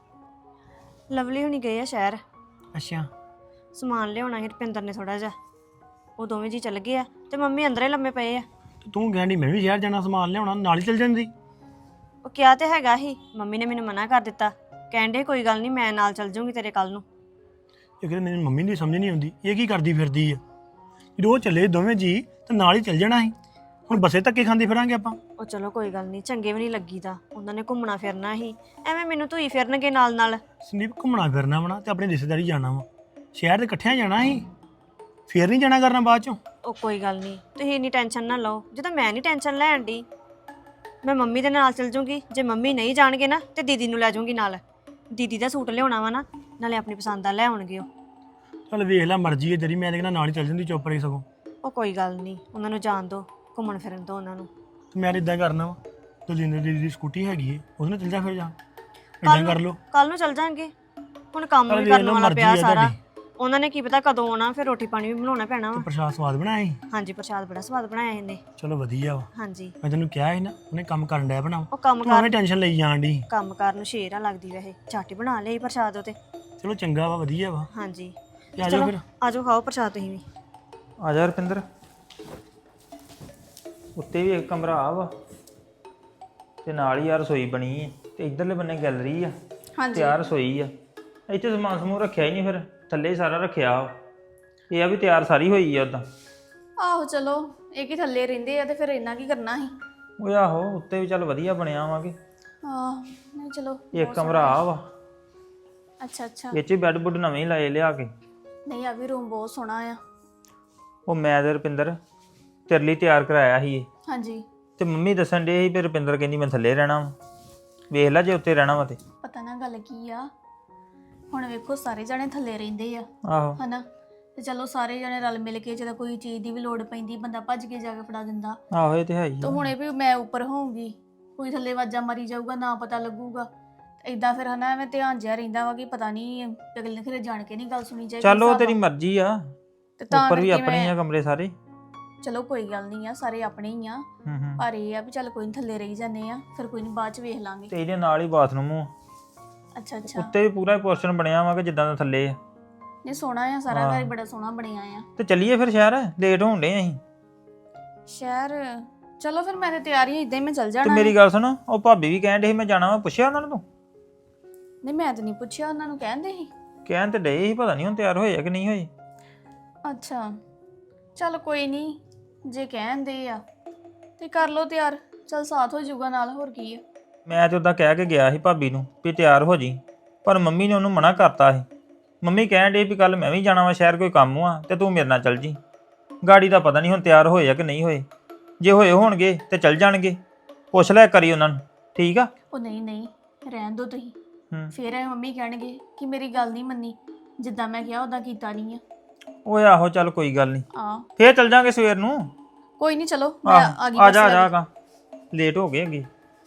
S3: ਲਵਲੀ ਹੁਣੀ ਗਏ ਆ ਸ਼ਹਿਰ,
S6: ਅੱਛਾ।
S3: ਸਮਾਨ ਲਿਆਉਣਾ ਸੀ ਰੁਪਿੰਦਰ ਨੇ ਥੋੜਾ ਜਿਹਾ। ਉਹ ਦੋਵੇਂ ਜੀ ਚੱਲ ਗਏ ਆ ਤੇ ਮੰਮੀ ਅੰਦਰੇ ਲੰਮੇ ਪਏ ਆ।
S6: ਤੇ ਤੂੰ ਕਹਿੰਦੀ ਮੈਂ ਵੀ ਸ਼ਹਿਰ ਜਾਣਾ, ਸਮਾਨ ਲਿਆਉਣਾ, ਨਾਲ ਹੀ ਚੱਲ ਜਾਂਦੀ।
S3: ਉਹ ਕਿਹਾ ਤੇ ਹੈਗਾ ਹੀ, ਮੰਮੀ ਨੇ ਮੈਨੂੰ ਮਨਾ ਕਰ ਦਿੱਤਾ। ਕਹਿੰਦੇ ਕੋਈ ਗੱਲ ਨਹੀਂ, ਮੈਂ ਨਾਲ ਚੱਲ ਜੂੰਗੀ ਤੇਰੇ ਕੱਲ ਨੂੰ।
S6: ਇਹ ਕਹਿੰਦੇ ਮੈਨੂੰ ਮੰਮੀ ਦੀ ਸਮਝ ਨਹੀਂ ਆਉਂਦੀ, ਇਹ ਕੀ ਕਰਦੀ ਫਿਰਦੀ ਆ। ਜਦੋਂ ਉਹ ਚੱਲੇ ਦੋਵੇਂ ਜੀ ਤੇ ਨਾਲ ਹੀ ਚੱਲ ਜਾਣਾ ਸੀ। ਹੁਣ ਬੱਸੇ ਧੱਕੇ ਖਾਂਦੇ ਫਿਰਾਂਗੇ ਆਪਾਂ।
S3: ਉਹ ਚਲੋ ਕੋਈ ਗੱਲ ਨਹੀਂ, ਚੰਗੇ ਵੀ ਨਹੀਂ ਲੱਗੀਦਾ। ਉਹਨਾਂ ਨੇ ਘੁੰਮਣਾ ਫਿਰਨਾ ਸੀ, ਐਵੇਂ ਮੈਨੂੰ ਧੂਈ ਫਿਰਨਗੇ ਨਾਲ ਨਾਲ।
S6: ਸੰਦੀਪ ਘੁੰਮਣਾ ਫਿਰਨਾ ਵਾ ਨਾ, ਤੇ ਆਪਣੀ ਰਿਸ਼ਤੇਦਾਰੀ ਜਾਣਾ ਵਾ, ਸ਼ਹਿਰ ਦੇ ਇਕੱਠਿਆਂ ਜਾਣਾ ਸੀ, ਫੇਰ ਨਹੀਂ ਜਾਣਾ ਕਰਨਾ ਬਾਅਦ ਚੋਂ।
S3: ਉਹ ਕੋਈ ਗੱਲ ਨਹੀਂ, ਤੁਸੀਂ ਇੰਨੀ ਟੈਨਸ਼ਨ ਨਾ ਲਓ। ਜਦੋਂ ਮੈਂ ਨਹੀਂ ਟੈਨਸ਼ਨ ਲੈਣ ਦੀ, ਮੈਂ ਮੰਮੀ ਦੇ ਨਾਲ ਚੱਲ ਜੂੰਗੀ। ਜੇ ਮੰਮੀ ਨਹੀਂ ਜਾਣਗੇ ਨਾ ਤੇ ਦੀਦੀ ਨੂੰ ਲੈ ਜਾਊਂਗੀ ਨਾਲ। ਦੀਦੀ ਦਾ ਸੂਟ ਲਿਆਉਣਾ ਵਾ ਨਾ, ਨਾਲੇ ਆਪਣੀ ਪਸੰਦ ਦਾ ਲੈ ਆਉਣਗੇ ਉਹ।
S6: ਚੱਲ ਵੇਖ ਲੈ, ਮਰਜ਼ੀ ਹੈ ਤੇਰੀ, ਮੈਂ ਤੇ ਕਹਿੰਦਾ ਨਾਲ ਹੀ ਚੱਲ ਜਾਂਦੀ ਚੁੱਪ ਰਹੀ ਸਗੋਂ।
S3: ਉਹ ਕੋਈ ਗੱਲ ਨਹੀਂ, ਉਹਨਾਂ ਨੂੰ ਜਾਣ ਦਿਓ, ਘੁੰਮਣ ਫਿਰਨ ਦਿਓ ਉਹਨਾਂ ਨੂੰ।
S6: ਤੇ ਮੈਂ ਇਦਾਂ ਕਰਨਾ ਵਾ, ਦਲਜਿੰਦਰ ਦੀਦੀ ਦੀ ਸਕੂਟੀ ਹੈਗੀ ਏ, ਉਹਦੇ ਨਾਲ ਚੱਲ ਜਾ ਫਿਰ ਜਾ, ਇਦਾਂ ਕਰ ਲਓ।
S3: ਕੱਲ ਨੂੰ ਚੱਲ ਜਾਾਂਗੇ, ਹੁਣ ਕੰਮ
S6: ਚੱਲ
S3: ਵੀ
S6: ਵੇਖ
S3: ਕਰਨ
S6: ਲਓ,
S3: ਵਾਲਾ
S6: ਮਰਜ਼ੀ
S3: ਪਿਆ
S6: ਹੈ
S3: ਸਾਰਾ।
S6: ਤੁਹਾਡੀ।
S3: ਉਹਨਾਂ ਨੇ ਕੀ ਪਤਾ ਕਦੋਂ ਆਉਣਾ, ਫਿਰ ਰੋਟੀ ਪਾਣੀ ਵੀ ਬਣਾਉਣਾ ਪੈਣਾ ਵਾ।
S6: ਪ੍ਰਸ਼ਾਦ ਸਵਾਦ ਬਣਾਇਆ ਸੀ।
S3: ਹਾਂਜੀ, ਪ੍ਰਸ਼ਾਦ ਬੜਾ ਸਵਾਦ ਬਣਾਇਆ ਇਹਨੇ।
S6: ਚਲੋ ਵਧੀਆ ਵਾ।
S3: ਹਾਂਜੀ,
S6: ਮੈਂ ਤੈਨੂੰ ਕਿਹਾ ਸੀ ਨਾ, ਉਹਨੇ ਕੰਮ ਕਰਨ ਡਿਆ ਬਣਾ,
S3: ਉਹ ਕੰਮ
S6: ਤੂੰ
S3: ਕਰ
S6: ਐਵੇਂ ਟੈਨਸ਼ਨ ਲਈ ਜਾਣ ਦੀ।
S3: ਕੰਮ ਕਰਨ ਨੂੰ ਸ਼ੇਰ ਆ ਲੱਗਦੀ ਵੈਸੇ, ਝੱਟ ਹੀ ਬਣਾ ਲਈ ਪ੍ਰਸ਼ਾਦ ਉਹ ਤੇ।
S6: ਚਲੋ ਚੰਗਾ ਵਾ, ਵਧੀਆ ਵਾ।
S3: ਹਾਂਜੀ,
S6: ਤੇ ਆ ਜਾਓ ਫਿਰ।
S3: ਆਜੋ ਖਾਓ ਪ੍ਰਸ਼ਾਦ ਤੁਸੀਂ ਵੀ।
S5: ਆ ਜਾ ਰੁਪਿੰਦਰ, ਉੱਤੇ ਵੀ ਇੱਕ ਕਮਰਾ ਆ ਵਾ ਤੇ ਨਾਲ ਹੀ ਆ ਰਸੋਈ ਬਣੀ ਹੈ, ਤੇ ਇਧਰਲੇ ਬੰਨੇ ਗੈਲਰੀ ਆ ਤੇ ਆ ਰਸੋਈ ਆ। ਇੱਥੇ ਸਮਾਨ ਸਮੂਹ ਰੱਖਿਆ ਹੀ ਨਹੀਂ, ਫਿਰ ਥੱਲੇ ਹੀ ਸਾਰਾ ਰੱਖਿਆ ਵਾ। ਇਹ ਆ ਵੀ ਤਿਆਰ ਸਾਰੀ ਹੋਈ ਆ ਉਦਾਂ।
S4: ਆਹੋ ਚਲੋ, ਇਹ ਕੀ ਥੱਲੇ ਰਹਿੰਦੇ ਆ ਤੇ ਫਿਰ ਇੰਨਾ ਕੀ ਕਰਨਾ ਸੀ।
S5: ਉਹ ਆਹੋ, ਉੱਤੇ ਵੀ ਚੱਲ ਵਧੀਆ ਬਣਿਆ ਵਾਂਗੇ।
S4: ਆਹ ਨਹੀਂ ਚਲੋ,
S5: ਇੱਕ ਕਮਰਾ ਆ ਵਾ,
S4: ਅੱਛਾ ਅੱਛਾ।
S5: ਇਹ 'ਚ ਬੈੱਡ ਬੁੱਡ ਨਵੇਂ ਹੀ ਲਾਏ ਲਿਆ ਕੇ।
S4: ਨਹੀਂ, ਆ ਵੀ ਰੂਮ ਬਹੁਤ ਸੋਹਣਾ ਆ।
S5: ਉਹ ਮੈਂ ਤੇ ਰੁਪਿੰਦਰ ਤੇਰੇ ਲਈ ਤਿਆਰ ਕਰਾਇਆ ਸੀ ਇਹ,
S4: ਹਾਂਜੀ,
S5: ਤੇ ਮੰਮੀ ਦੱਸਣ ਡੇ ਸੀ ਵੀ ਰੁਪਿੰਦਰ ਕਹਿੰਦੀ ਮੈਂ ਥੱਲੇ ਰਹਿਣਾ ਵਾ। ਵੇਖ ਲੈ ਜੇ ਉੱਤੇ ਰਹਿਣਾ ਵਾ ਤੇ।
S4: ਪਤਾ ਨਾ ਗੱਲ ਕੀ ਆ, ਹੁਣ ਵੇਖੋ ਸਾਰੇ ਜਣੇ ਥੱਲੇ ਰਹਿੰਦੇ ਆ
S5: ਆਹੋ,
S4: ਹਨਾ, ਤੇ ਚਲੋ ਸਾਰੇ ਜਣੇ ਰਲ ਮਿਲ ਕੇ ਜਦੋਂ ਕੋਈ ਚੀਜ਼ ਦੀ ਵੀ ਲੋੜ ਪੈਂਦੀ ਬੰਦਾ ਭੱਜ ਕੇ ਜਾ ਕੇ ਫੜਾ ਦਿੰਦਾ।
S5: ਆਹੋ ਇਹ ਤੇ ਹੈ ਹੀ
S4: ਤਾਂ
S5: ਆ।
S4: ਹੁਣੇ ਵੀ ਮੈਂ ਉੱਪਰ ਹੋਊਂਗੀ, ਕੋਈ ਥੱਲੇ ਵਾਜਾ ਮਾਰੀ ਜਾਊਗਾ, ਨਾ ਪਤਾ ਲੱਗੂਗਾ। ਇਦਾਂ ਫਿਰ ਹਨਾ ਐਵੇਂ ਧਿਆਨ ਜਿਹਾ ਰਹਿੰਦਾ ਵਾ ਕਿ ਪਤਾ ਨਹੀਂ ਅਗਲੇ ਨੇ ਫਿਰ ਜਾਣ ਕੇ ਨਹੀਂ ਗੱਲ ਸੁਣੀ ਚਾਹੀਦੀ।
S5: ਚੱਲ ਉਹ ਤੇਰੀ ਮਰਜ਼ੀ ਆ,
S4: ਤੇ ਤਾਂ
S5: ਉੱਪਰ ਵੀ
S4: ਕਰਕੇ
S5: ਆਪਣੇ ਹੀ ਆ ਕਮਰੇ ਸਾਰੇ।
S4: ਚਲੋ ਕੋਈ ਗੱਲ ਨਹੀਂ ਆ, ਸਾਰੇ ਆਪਣੇ ਹੀ ਆ।
S5: ਹੂੰ।
S4: ਪਰ ਇਹ ਆ ਵੀ ਚੱਲ ਕੋਈ ਨਹੀਂ, ਥੱਲੇ ਰਹੀ ਜਾਂਦੇ ਆ, ਫਿਰ ਕੋਈ ਨਹੀਂ ਬਾਅਦ ਚ ਵੇਖ ਲਾਂਗੇ।
S5: ਤੇ ਇਹਦੇ ਨਾਲ ਹੀ ਬਾਥਰੂਮ ਆ।
S4: ਅੱਛਾ ਅੱਛਾ,
S5: ਉੱਤੇ ਵੀ ਪੂਰਾ ਪੋਰਸ਼ਨ ਬਣਿਆ ਵਾ ਕਿ ਜਿੱਦਾਂ ਦਾ ਥੱਲੇ ਆ।
S4: ਨਹੀਂ ਸੋਹਣਾ ਆ, ਸਾਰਾ ਘਰ ਹੀ ਬੜਾ ਸੋਹਣਾ ਬਣਿਆ ਆ।
S5: ਤੇ ਚੱਲੀਏ ਫਿਰ ਸ਼ਹਿਰ, ਲੇਟ ਹੋਣ ਡੇ ਅਸੀਂ।
S4: ਸ਼ਹਿਰ ਚਲੋ ਫਿਰ, ਮੈਂ ਤੇ ਤਿਆਰ ਹੀ ਇਦਾਂ ਹੀ ਮੈਂ ਚੱਲ
S5: ਤੇ
S4: ਜਾਣਾ।
S5: ਮੇਰੀ ਗੱਲ ਸੁਣ, ਉਹ ਭਾਬੀ ਵੀ ਕਹਿਣ ਡੇ ਸੀ ਮੈਂ ਜਾਣਾ ਵਾ, ਪੁੱਛਿਆ ਉਹਨਾਂ ਨੂੰ ਤੂੰ?
S4: ਨਹੀਂ ਮੈਂ ਤਾਂ ਨਹੀਂ ਪੁੱਛਿਆ, ਉਹਨਾਂ ਨੂੰ ਕਹਿੰਦੇ ਸੀ।
S5: ਕਹਿਣ ਤੇ ਡੇ ਸੀ, ਪਤਾ ਨਹੀਂ ਹੁਣ ਤਿਆਰ ਹੋਏ ਆ ਕਿ ਨਹੀਂ ਹੋਏ।
S4: ਅੱਛਾ ਚਲ ਕੋਈ ਨਹੀਂ, ਜੇ ਕਹਿੰਦੇ ਆ ਤੇ ਕਰ ਲੋ ਤਿਆਰ, ਚਲ ਸਾਥ ਹੋ ਜਾਊਗਾ ਨਾਲ, ਹੋਰ ਕੀ ਆ।
S5: ਮੈਂ ਤੇ ਉਦਾਂ ਕਹਿ ਕੇ ਗਿਆ ਸੀ ਭਾਬੀ ਨੂੰ ਵੀ ਤਿਆਰ ਹੋ ਜੀ, ਪਰ ਮੰਮੀ ਨੇ ਉਹਨੂੰ ਮਨਾ ਕਰਤਾ ਸੀ। ਮੰਮੀ ਕਹਿਣ ਡੇ ਵੀ ਕੱਲ ਮੈਂ ਵੀ ਜਾਣਾ ਵਾ ਸ਼ਹਿਰ, ਕੋਈ ਕੰਮ ਆ ਤੇ ਤੂੰ ਮੇਰੇ ਨਾਲ ਚੱਲ ਜੀ। ਗਾੜੀ ਦਾ ਪਤਾ ਨਹੀਂ ਹੁਣ ਤਿਆਰ ਹੋਏ ਆ ਕਿ ਨਹੀਂ ਹੋਏ, ਜੇ ਹੋਏ ਹੋਣਗੇ ਤੇ ਚੱਲ ਜਾਣਗੇ। ਪੁੱਛ ਲੈ ਕਰੀ ਉਹਨਾਂ ਨੂੰ, ਠੀਕ ਆ?
S4: ਉਹ ਨਹੀਂ ਨਹੀਂ, ਰਹਿਣ ਦੋ ਤੁਸੀਂ।
S5: ਹੂੰ।
S4: ਫਿਰ ਇਹ ਮੰਮੀ ਕਹਿਣਗੇ ਕਿ ਮੇਰੀ ਗੱਲ ਨਹੀਂ ਮੰਨੀ, ਜਿੱਦਾਂ ਮੈਂ ਕਿਹਾ ਉਦਾਂ ਕੀਤਾ ਨਹੀਂ ਆ।
S5: ਓਏ ਆਹੋ, ਚੱਲ ਕੋਈ ਗੱਲ ਨਹੀਂ,
S4: ਆ
S5: ਫੇਰ ਚੱਲ ਜਾਾਂਗੇ ਸਵੇਰ ਨੂੰ।
S4: ਕੋਈ ਨਹੀਂ, ਚਲੋ ਮੈਂ
S5: ਆਹ
S4: ਆ ਗਈ।
S5: ਆ ਜਾ ਆ ਜਾ, ਲੇਟ ਹੋ ਗਏ ਅੱਗੇ।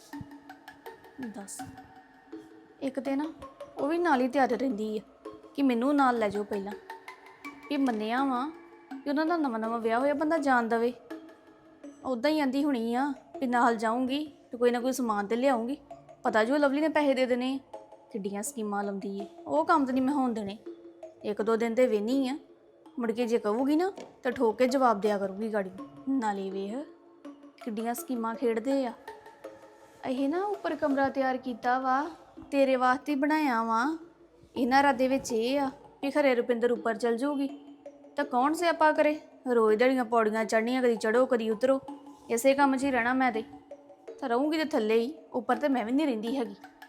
S4: ਦੱਸ, ਇੱਕ ਤੇ ਨਾ ਉਹ ਵੀ ਨਾਲ ਹੀ ਤਿਆਰ ਰਹਿੰਦੀ ਆ ਕਿ ਮੈਨੂੰ ਨਾਲ ਲੈ ਜਾਓ ਪਹਿਲਾਂ, ਵੀ ਮੰਨਿਆ ਵਾ ਕਿ ਉਹਨਾਂ ਦਾ ਨਵਾਂ ਨਵਾਂ ਵਿਆਹ ਹੋਇਆ, ਬੰਦਾ ਜਾਣ ਦਵੇ। ਉੱਦਾਂ ਹੀ ਆਂਦੀ ਹੋਣੀ ਆ ਵੀ ਨਾਲ ਜਾਊਂਗੀ ਤੇ ਕੋਈ ਨਾ ਕੋਈ ਸਮਾਨ ਤੇ ਲਿਆਉਂਗੀ, ਪਤਾ ਜੋ ਲਵਲੀ ਨੇ ਪੈਸੇ ਦੇ ਦੇਣੇ। ਕਿੱਡੀਆਂ ਸਕੀਮਾਂ ਲਾਉਂਦੀ ਏ, ਉਹ ਕੰਮ ਤਾਂ ਨਹੀਂ ਮੈਂ ਹੋਣ ਦੇਣੇ। ਇੱਕ ਦੋ ਦਿਨ ਤੇ ਵੇਹਨੀ ਆ, ਮੁੜ ਕੇ ਜੇ ਕਹੂਗੀ ਨਾ ਤਾਂ ਠੋਕ ਕੇ ਜਵਾਬ ਦਿਆ ਕਰੂਗੀ ਗਾੜੀ। ਨਾਲੇ ਵੇਖ ਕਿੱਡੀਆਂ ਸਕੀਮਾਂ ਖੇਡਦੇ ਆ। ਇਹ ਨਾ ਉੱਪਰ ਕਮਰਾ ਤਿਆਰ ਕੀਤਾ ਵਾ, ਤੇਰੇ ਵਾਸਤੇ ਬਣਾਇਆ ਵਾ। ਇਹਨਾਂ ਰਾਦੇ ਵਿੱਚ ਇਹ ਆ ਵੀ ਖਰੇ ਰੁਪਿੰਦਰ ਉੱਪਰ ਚਲ ਜਾਊਗੀ ਤਾਂ ਕੌਣ ਸਿਆਪਾ ਕਰੇ। ਰੋਜ਼ ਦਿਹਾੜੀਆਂ ਪੌੜੀਆਂ ਚੜ੍ਹਨੀਆਂ, ਕਦੀ ਚੜੋ ਕਦੀ ਉਤਰੋ, ਇਸੇ ਕੰਮ 'ਚ ਹੀ ਰਹਿਣਾ ਮੈਂ ਤੇ ਰਹੂੰਗੀ ਤੇ ਥੱਲੇ ਹੀ, ਉੱਪਰ ਤੇ ਮੈਂ ਵੀ ਨਹੀਂ ਰਹਿੰਦੀ ਹੈਗੀ।